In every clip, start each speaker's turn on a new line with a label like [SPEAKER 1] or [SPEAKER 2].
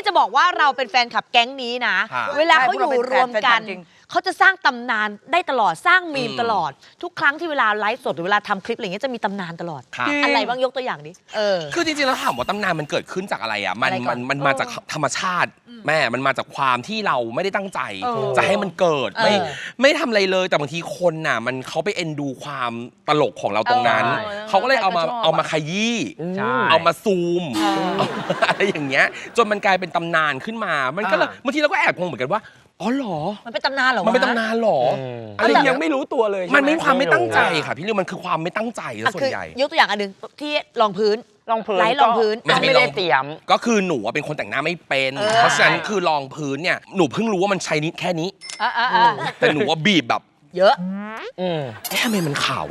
[SPEAKER 1] จะบอกว่าเราเป็นแฟนคลับแก๊งนี้นะเวลาเขาอยู่รวมกันเขาจะสร้างตำนานได้ตลอดสร้างมีมตลอดทุกครั้งที่เวลาไลฟ์สดหรือเวลาทำคลิปอะไรเงี้ยจะมีตำนานตลอดอะไรบ้างยกตัวอย่างนี้
[SPEAKER 2] คือจริงๆแล้วถามว่าตำนานมันเกิดขึ้นจากอะไรอ่ะมันมาจากธรรมชาติแม่มันมาจากความที่เราไม่ได้ตั้งใจจะให้มันเกิดไม่ทำอะไรเลยแต่บางทีคนน่ะมันเขาไปเอ็นดูความตลกของเราตรงนั้นเขาก็เลยเอามาขยี้เอามาซูมอะไรอย่างเงี้ยจนมันกลายเป็นตำนานขึ้นมามันก็เลยบางทีเราก็แอบงงเหมือนกันว่าอ๋อเหรอ
[SPEAKER 1] มันเป็นตำนานเหรอ
[SPEAKER 2] มันเป็นตำนานเหรอ
[SPEAKER 3] อะไรยังไม่รู้ตัวเลย
[SPEAKER 2] มันไม่ความไม่ตั้งใจค่ะพี่ลิวมันคือความไม่ตั้งใจแล้วส่วนใหญ่
[SPEAKER 1] ยกตัวอย่างอันหนึ่งที่รองพื้นไลท์รองพื้น
[SPEAKER 2] ไม่ได้เตรียมก็คือหนูเป็นคนแต่งหน้าไม่เป็นเพราะฉะนั้นคือรองพื้นเนี่ยหนูเพิ่งรู้ว่ามันใช้นิดแค่นี้แต่หนูว่าบีบแบบ
[SPEAKER 1] เยอะ
[SPEAKER 2] ทำไมมันขาว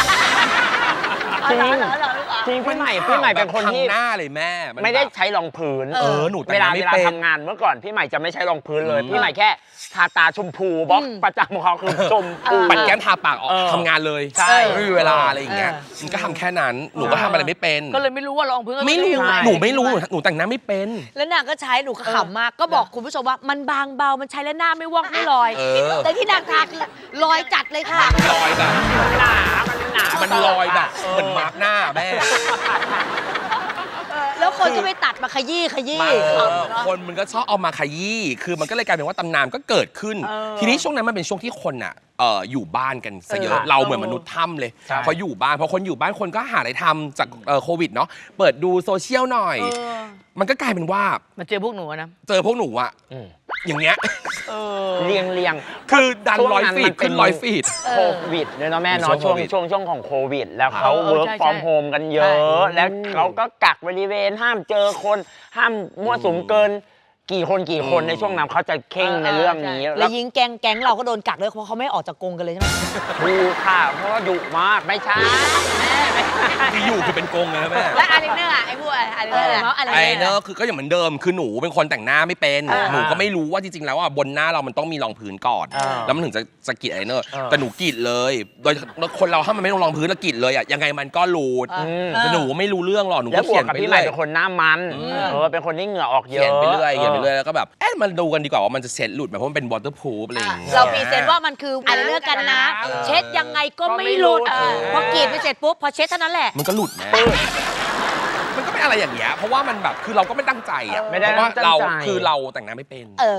[SPEAKER 3] จริงพี่ใหม่เป็นคนที่
[SPEAKER 2] หน้าเลยแม่
[SPEAKER 3] ไม่ได้ใช้รองพื้น
[SPEAKER 2] หนู
[SPEAKER 3] เวลาทำงานเมื่อก่อนพี่ใหม่จะไม่ใช้รองพื้นเลยพี่ใหม่แค่ทาตาชมพูบล็อกประจำของเขาคือชมพู
[SPEAKER 2] ปัดแก้มทาปากออกทำงานเลยไม่มีเวลาอะไรอย่างเงี้ยมันก็ทำแค่นั้นหนูก็ทำอะไรไม่เป็น
[SPEAKER 1] ก็เลยไม่รู้ว่ารองพื้น
[SPEAKER 2] ไม่รู้หนูไม่รู้หนูแต่งหน้าไม่เป็น
[SPEAKER 1] แล้วนางก็ใช้หนูก็ขำมากก็บอกคุณผู้ชมว่ามันบางเบามันใช้แล้วหน้าไม่วอกไม่ลอยแต่ที่นางทาคือลอยจัดเลยค่ะ
[SPEAKER 2] ลอยแบบมันลอยแบบเหมือนมาร์กหน้าแม่
[SPEAKER 1] แล้วคนก็ไปตัดมาขยี้
[SPEAKER 2] คนมันก็ชอบเอามาขยี้คือมันก็เลยกลายเป็นว่าตำนานก็เกิดขึ้นทีนี้ช่วงนั้นมันเป็นช่วงที่คนอ่ะอยู่บ้านกันซะเยอะเราเหมือนมนุษย์ถ้ำเลยพออยู่บ้านพอคนอยู่บ้านคนก็หาอะไรทำจากโควิดเนาะเปิดดูโซเชียลหน่อยมันก็กลายเป็นว่า
[SPEAKER 1] มาเจอพวกหนูนะ
[SPEAKER 2] เจอพวกหนูอะอย่างเงี้ย
[SPEAKER 3] เรียง
[SPEAKER 2] คือดัน100 ฟีดขึ้น100 ฟีด
[SPEAKER 3] โควิดเนี่ยเนาะแม่เนาะช่วงของโควิดแล้วเขาเวิร์กฟอร์มโฮมกันเยอะแล้วเขาก็กักบริเวณห้ามเจอคนห้ามมั่วสุมเกินกี่คนในช่วงนั้นเขาจะเข่งในเรื่องนี้
[SPEAKER 1] แล้วยิงแก๊งเราก็โดนกักเลยเพราะเขาไม่ออกจากกรงกันเลยใช่ไหม
[SPEAKER 3] ดูค่ะเพราะว่าดุมากไม่ใช่
[SPEAKER 2] ที่อยู่คือเป็นกรงเลยแม่
[SPEAKER 1] แล้วไอเนอร์ไอ้พวกไอเนอร์
[SPEAKER 2] คือก็อย่างเหมือนเดิมคือหนูเป็นคนแต่งหน้าไม่เป็นหนูก็ไม่รู้ว่าจริงๆแล้วอ่ะบนหน้าเรามันต้องมีรองพื้นก่อนแล้วมันถึงจะกรีดไอเนอร์แต่หนูกรีดเลยโดยคนเราถ้ามันไม่ลงรองพื้นแล้วกรีดเลยอ่ะยังไงมันก็รูดแต่หนูไม่รู้เรื่องหรอกหนูก็เขียนไปเรื่อย
[SPEAKER 3] เป็นคนหน้ามันเป็นคนที่เหงื่อออกเยอะ
[SPEAKER 2] เขียนไปเรื่อยแล้วก็แบบมันดูกันดีกว่าว่ามันจะเช็ดหลุดไหมเพราะมันเป็น waterproof อะไรอย่างเงี้ย
[SPEAKER 1] เราพรีเซนต์ว่ามันคืออะไรเลือกกันนะเช็ดยังไงก็ไม่หลุดพอกรีดไปเสร็จปุ๊บพอเช็ดเท่านั้นแหละ
[SPEAKER 2] มันก็หลุดแม่มันก็เป็นอะไรอย่างเงี้ยเพราะว่ามันแบบคือเราก็ไม่ตั้งใจอ่ะเพราะว่าเราคือเราแต่งหน้าไม่เป็น